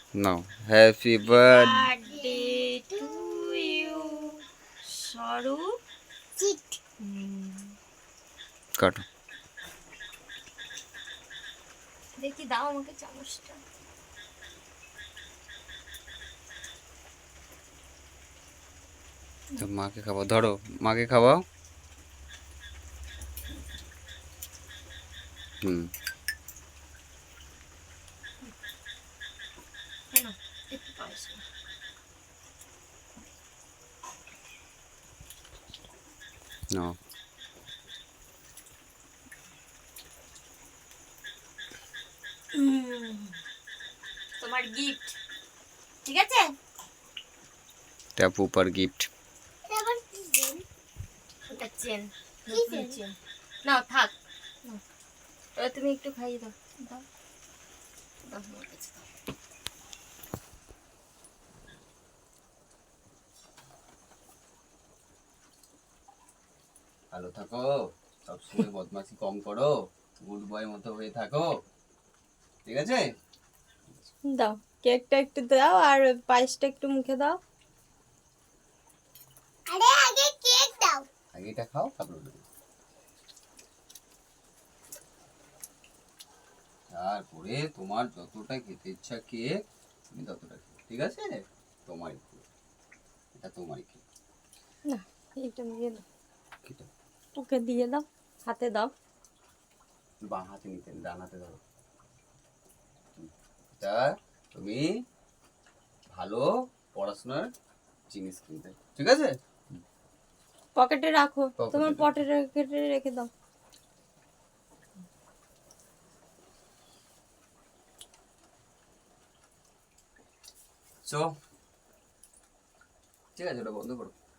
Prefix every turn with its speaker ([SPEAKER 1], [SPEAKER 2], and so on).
[SPEAKER 1] Now happy birthday.
[SPEAKER 2] Birthday to you Swarup.
[SPEAKER 1] কাটো।
[SPEAKER 2] দেখি দাও আমাকে চামচটা।
[SPEAKER 1] তো মাকে খাওয়াও, ধরো মাকে খাওয়াও। হুম।
[SPEAKER 2] কেন একটু পায়েস নাও।
[SPEAKER 1] নাও।
[SPEAKER 2] তোমার গিফট, ঠিক আছে?
[SPEAKER 1] ট্যাপু পার গিফট।
[SPEAKER 2] ওটা চেন, নতুন চেন। নাও থাক, নাও। এবার তুমি একটু খাইয়ে দাও। দাও দাও আমার কাছে দাও।
[SPEAKER 1] ভালো থাকো, সবসময় বদমাশি কম করো, গুড বয় মতো হয়ে থাকো, ঠিক আছে?
[SPEAKER 2] দাও কেকটা একটু দাও আর পায়েসটা একটু মুখে দাও। আরে আগে কেক দাও।
[SPEAKER 1] আগে এটা খাও, তারপর ওটা দিও। তারপরে তোমার যতটা খেতে ইচ্ছা কেক তুমি ততটা খেও, ঠিক আছে? তোমারই কেক, এটা তোমারই কেক।
[SPEAKER 2] না, এইটা দিয়ে দাও,
[SPEAKER 1] কেটে
[SPEAKER 2] ওকে দিয়ে দাও, হাতে দাও।
[SPEAKER 1] বাঁ হাতে নিতে, ডান হাতে ধরো। এটা তুমি ভালো পড়াশোনার জিনিস কিনতে, ঠিক আছে?
[SPEAKER 2] পকেটে রাখো,
[SPEAKER 1] পকেটে
[SPEAKER 2] তোমার
[SPEAKER 1] রাখো।
[SPEAKER 2] পকেটে রেখে দাও।
[SPEAKER 1] চো, ঠিক আছে, ওটা বন্ধ করো।